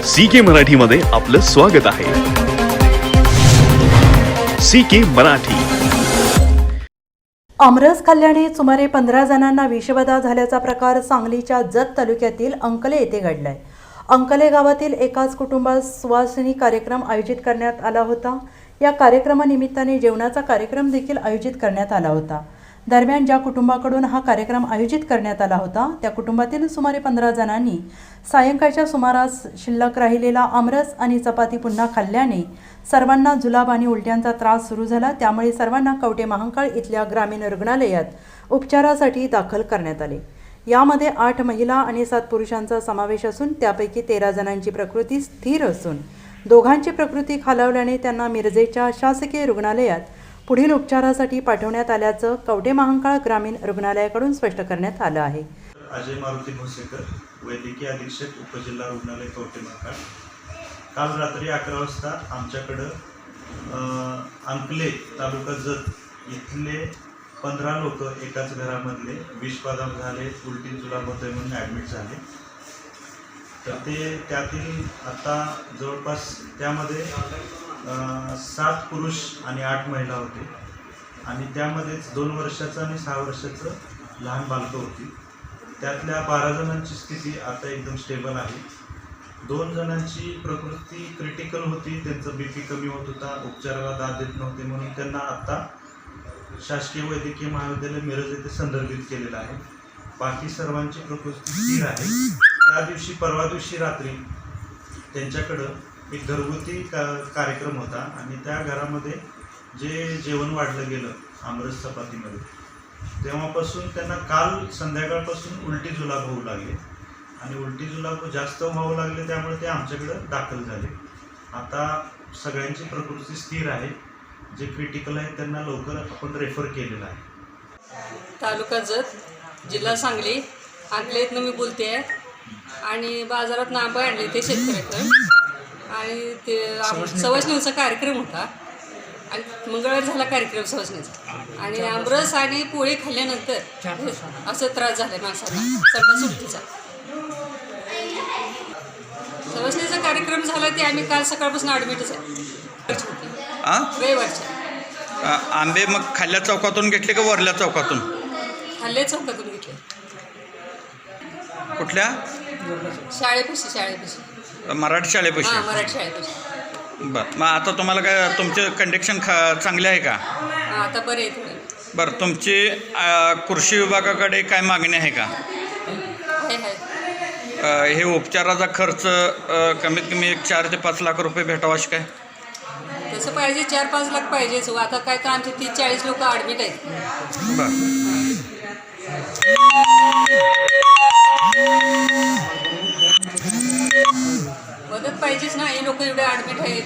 CK मराठीमध्ये आपलं स्वागत आहे. CK मराठी. आमरस खाल्ल्याने सुमारे 15 जणांना विषबाधा झाल्याचा प्रकार सांगलीच्या जत तालुक्यातील अंकले येथे घडलाय. अंकले गावातील एकाच कुटुंबात सुवासिनी कार्यक्रम आयोजित करण्यात आला होता. या कार्यक्रमानिमित्ताने जेवणाचा कार्यक्रम देखील आयोजित करण्यात आला होता. दरम्यान ज्या कुटुंबाकडून हा कार्यक्रम आयोजित करण्यात आला होता त्या कुटुंबातील सुमारे 15 जणांनी सायंकाळच्या सुमारास शिल्लक राहिलेला आमरस आणि चपाती पुन्हा खाल्ल्याने सर्वांना जुलाब आणि उलट्यांचा त्रास सुरू झाला. त्यामुळे सर्वांना कवटे महांकाळ इथल्या ग्रामीण रुग्णालयात उपचारासाठी दाखल करण्यात आले. यामध्ये 8 महिला आणि 7 पुरुषांचा समावेश असून त्यापैकी 13 जणांची प्रकृती स्थिर असून दोघांची प्रकृती खालावल्याने त्यांना मिरजेच्या शासकीय रुग्णालयात पुढील उपचारासाठी पाठवण्यात आल्याचं कवटे महांकाळ ग्रामीण रुग्णालयाकडून स्पष्ट करण्यात आलं आहे. अजय मारुती भोसेकर, वैद्यकीय अधीक्षक, उपजिल्हा रुग्णालय कवटे महांकाळ. काल रात्री 11 वाजता आमच्याकडं अंकले तालुका जत इथले 15 लोक एकाच घरामधले विषबाधा झाले, उलटी जुलाब होतोय म्हणून ॲडमिट झाले. तर त्यातील आता जवळपास त्यामध्ये 7 पुरुष आणि 8 महिला होते आणि त्यामध्येच 2 वर्षाचं आणि 6 वर्षाचं लहान बालकं होती. त्यातल्या 12 जणांची स्थिती आता एकदम स्टेबल आहे. 2 जणांची प्रकृती क्रिटिकल होती, त्यांचं BP कमी होत होता, उपचाराला दाद देत नव्हते म्हणून त्यांना आत्ता शासकीय वैद्यकीय महाविद्यालय मिरज येथे संदर्भित केलेलं आहे. बाकी सर्वांची प्रकृती स्थिर आहे. त्या दिवशी परवा दिवशी रात्री त्यांच्याकडं एक घरगुती कार्यक्रम होता आणि त्या घरामध्ये जे जेवण वाढलं गेलं आमरस चपातीमध्ये, तेव्हापासून त्यांना काल संध्याकाळपासून उलटी जुलाब होऊ लागले आणि उलटी जुलाब जास्त व्हावं लागले. त्यामुळे ते आमच्याकडं दाखल झाले. आता सगळ्यांची प्रकृती स्थिर आहे. जे क्रिटिकल आहे त्यांना लवकर आपण रेफर केलेलं आहे. तालुका जत, जिल्हा सांगली, अंकलेतनं मी बोलते आहे. आणि बाजारात आंबे आणले ते शेतकऱ्याकडे आणि ते सवासणीचा कार्यक्रम होता आणि मंगळवारी झाला कार्यक्रम सवासणीचा आणि आमरस आणि पोळी खाल्ल्यानंतर असं त्रास झाला माणसाला सगळा सुट्टीचा. सवासणीचा कार्यक्रम झाला ते आम्ही काल सकाळपासून ॲडमिटच आहे रविवारच्या. आंबे मग खाल्ल्या चौकातून घेतले का वरल्या चौकातून? खाल्ल्या चौकातून घेतले. कुठल्या शाळेपाशी मराठी शाळेपाशी? मराठी शाळेपाशी. बरं, मग आता तुम्हाला काय तुमचे कंडिशन चांगले आहे का? आता बरं आहे थोडं. बरं, तुमची कृषी विभागाकडे काय मागणी आहे का? हे उपचाराचा खर्च कमीत कमी 4 ते 5 लाख रुपये भेटावा अशी काय? तसं पाहिजे 4-5 लाख पाहिजेच. आता काय तर आमचे 30-40 लोक ॲडमिट आहेत. बरं, मदत पाहिजेच ना, हे लोक एवढे ॲडमिट आहेत.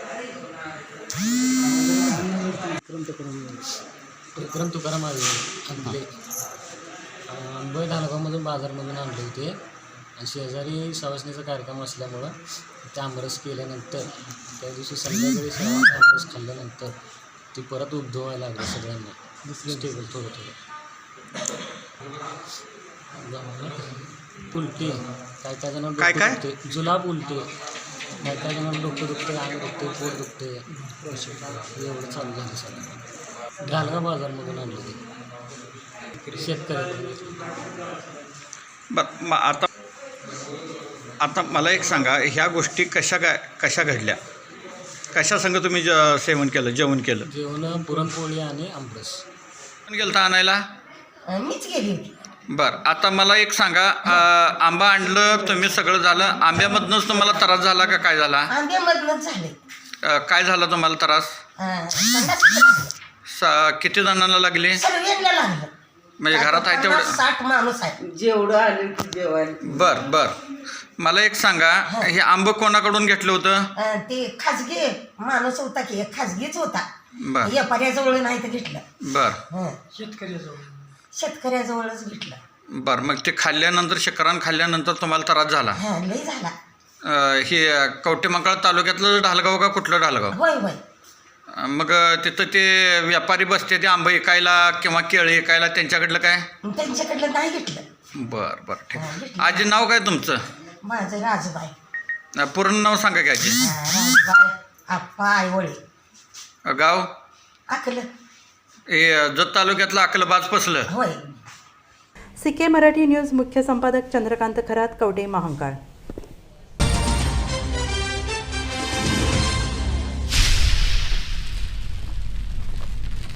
विक्रम तुकाराम आहे आणले. आंबे धानगावमधून बाजारमधून आणले होते आणि शेजारी सवासणीचा कार्यक्रम असल्यामुळं ते आमरस केल्यानंतर त्या दिवशी संध्याकाळी सर्वांनी आमरस खाल्ल्यानंतर ती परत उद्भवायला लागली सगळ्यांना. दुसरं टेबल थोडं उलटी, काय काय जणांना डोकं दुखते, जुलाब उलटे, काय काय जणांना डोकं दुखते, अंग दुखते, पोट दुखते, एवढं चालू झालं सगळं. ढालगाव बाजारमधून आणलं ते शेतकऱ्याकडून. बरं, मग आता मला एक सांगा, ह्या गोष्टी कशा घडल्या? कशा संग तुम्ही सेवन केलं, जेवण केलं? जेवण पुरणपोळी आणि आमरस. कोण गेलं आणायला? मीच गेली होती. बरं, आता मला एक सांगा, आंबा आणलं तुम्ही, सगळं झालं, आंब्यामधनंच तुम्हाला त्रास झाला का काय झाला? आंब्यामधनंच झाले. काय झाला तुम्हाला त्रास? किती जणांना लागले? सर्वांना लागलं. म्हणजे घरात आहे तेवढं 60 माणूस आहे जेवढं आले जेवायला. बरं, मला एक सांगा, हे आंबं कोणाकडून घेतलं होतं? ते खाजगी माणूस होता की एक खाजगीच होता. बरं व्यापाऱ्याजवळ नाही तर घेतलं. बरं, शेतकऱ्याजवळच घेतलं. बरं, मग ते खाल्ल्यानंतर शिकरान खाल्ल्यानंतर तुम्हाला त्रास झाला? लई झाला. हे कवटे महांकाळ तालुक्यातलं ढालगाव का कुठलं ढालगाव? होय होय. मग तिथं ते व्यापारी बसते ते आंबे विकायला किंवा केळी विकायला, त्यांच्याकडलं काय? त्यांच्याकडलं नाही घेतलं. बरं, ठीक. आजी नाव काय तुमचं? माझं राजूबाई. पूर्ण नाव सांगा की आजी. राजबाई आप्पा आईवळे गाव आकलं हे जत तालुक्यातलं अकलबाज पसलं. होय. CK मराठी न्यूज मुख्य संपादक चंद्रकांत खरात, कवठे महांकाळ.